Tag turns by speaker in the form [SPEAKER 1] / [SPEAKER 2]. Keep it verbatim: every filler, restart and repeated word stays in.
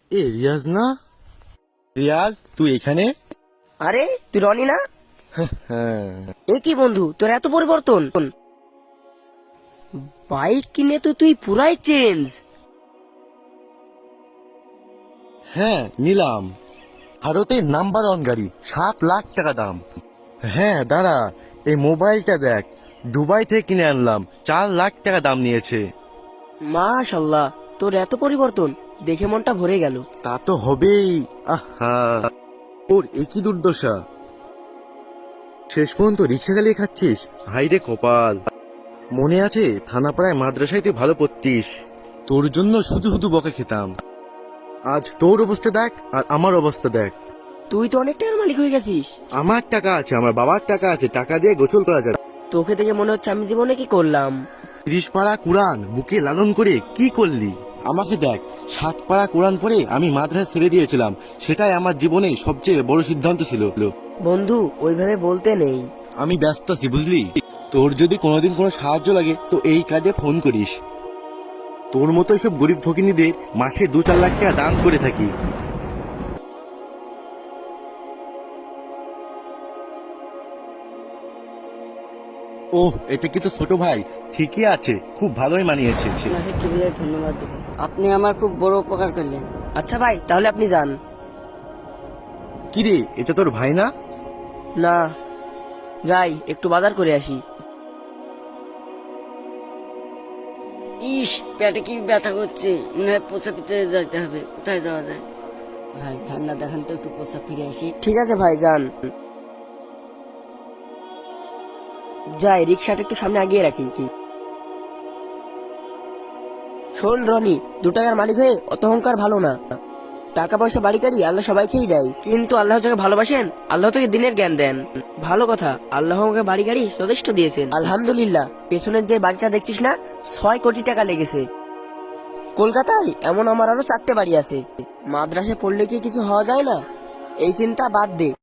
[SPEAKER 1] এ রিয়াজ না? রিয়াজ তুই এখানে?
[SPEAKER 2] আরে তুই রনি না?
[SPEAKER 1] হ্যাঁ।
[SPEAKER 2] এ কি বন্ধু, তোর এত পরিবর্তন! বাইক কিনে তো তুই পুরাই চেঞ্জ।
[SPEAKER 1] হ্যাঁ নিলাম, ভারতের নাম্বার ওয়ান গাড়ি, সাত লাখ টাকা দাম। হ্যাঁ দাঁড়া, এই মোবাইলটা দেখ, দুবাই থেকে কিনে আনলাম, চার লাখ টাকা দাম নিয়েছে।
[SPEAKER 2] মাশাল্লাহ, তোর এত পরিবর্তন দেখে মনটা ভরে গেল।
[SPEAKER 1] তা তো হবেই। আহা, ওর একই দুর্দশা, শেষ পর্যন্ত রিক্সা চালিয়ে খাচ্ছিস। হাইরে কপাল। মনে আছে থানাপাড়ায় মাদ্রাসায় তুই ভালো পড়তিস, তোর জন্য শুধু শুধু বকা খেতাম। আজ তোর অবস্থা দেখ আর আমার অবস্থা দেখ।
[SPEAKER 2] তুই তো অনেক টাকার মালিক হয়ে গেছিস।
[SPEAKER 1] আমার টাকা আছে, আমার বাবার টাকা আছে, টাকা দিয়ে গোসল করা যাবে।
[SPEAKER 2] তোকে দেখে মনে হচ্ছে আমি জীবনে কি করলাম।
[SPEAKER 1] তিরিশ পাড়া কোরআন বুকে লালন করে কি করলি? আমাকে দেখ, সাত পাড়া কোরআন পড়ে আমি মাদ্রাসা ছেড়ে দিয়েছিলাম, সেটাই আমার জীবনে সবচেয়ে বড় সিদ্ধান্ত ছিল।
[SPEAKER 2] বন্ধু, ওইভাবে বলতে নেই।
[SPEAKER 1] আমি ব্যস্ত আছি বুঝলি, তোর যদি কোনোদিন কোনো সাহায্য লাগে তো এই কাজে ফোন করিস। তোর মতো সব গরিব ফকিনীদের মাসে দু চার লাখ টাকা দান করে থাকি। ওহ, এটা কি তো ছোট ভাই? ঠিকই আছে, খুব ভালোই মানিয়েছে।
[SPEAKER 3] আপনাকে কি বলে ধন্যবাদ দেব, আপনি আমার খুব বড় উপকার করলেন।
[SPEAKER 2] আচ্ছা ভাই, তাহলে আপনি যান।
[SPEAKER 1] কি রে, এটা তোর ভাই না?
[SPEAKER 2] না, যাই একটু বাজার করে আসি।
[SPEAKER 3] ইস, পেটে কি ব্যথা করছে, মনে হয় পোষা পিতে যাইতে হবে। কোথায় যাওয়া যায়? ভাই ভান্না দেখান তো, একটু পোষা ফিরে আসি।
[SPEAKER 2] ঠিক আছে ভাই, যান। যাই, রিক্সাটা একটু সামনে আগিয়ে রাখি। কি শোন রনি, দু টাকার মালিক হয়ে অত অহংকার ভালো না। টাকা পয়সা বাড়ি গাড়ি আল্লাহ সবাইকেই দেয়, কিন্তু আল্লাহ যাকে ভালোবাসেন আল্লাহ তোকে দিনের জ্ঞান দেন। ভালো কথা, আল্লাহ আমাকে বাড়ি গাড়ি যথেষ্ট দিয়েছেন আলহামদুলিল্লাহ। পেছনের যে বাড়িটা দেখছিস না, ছয় কোটি টাকা লেগেছে। কলকাতায় এমন আমার আরো চারটে বাড়ি আছে। মাদ্রাসায় পড়লে কি কিছু হওয়া যায় না? এই চিন্তা বাদ দে।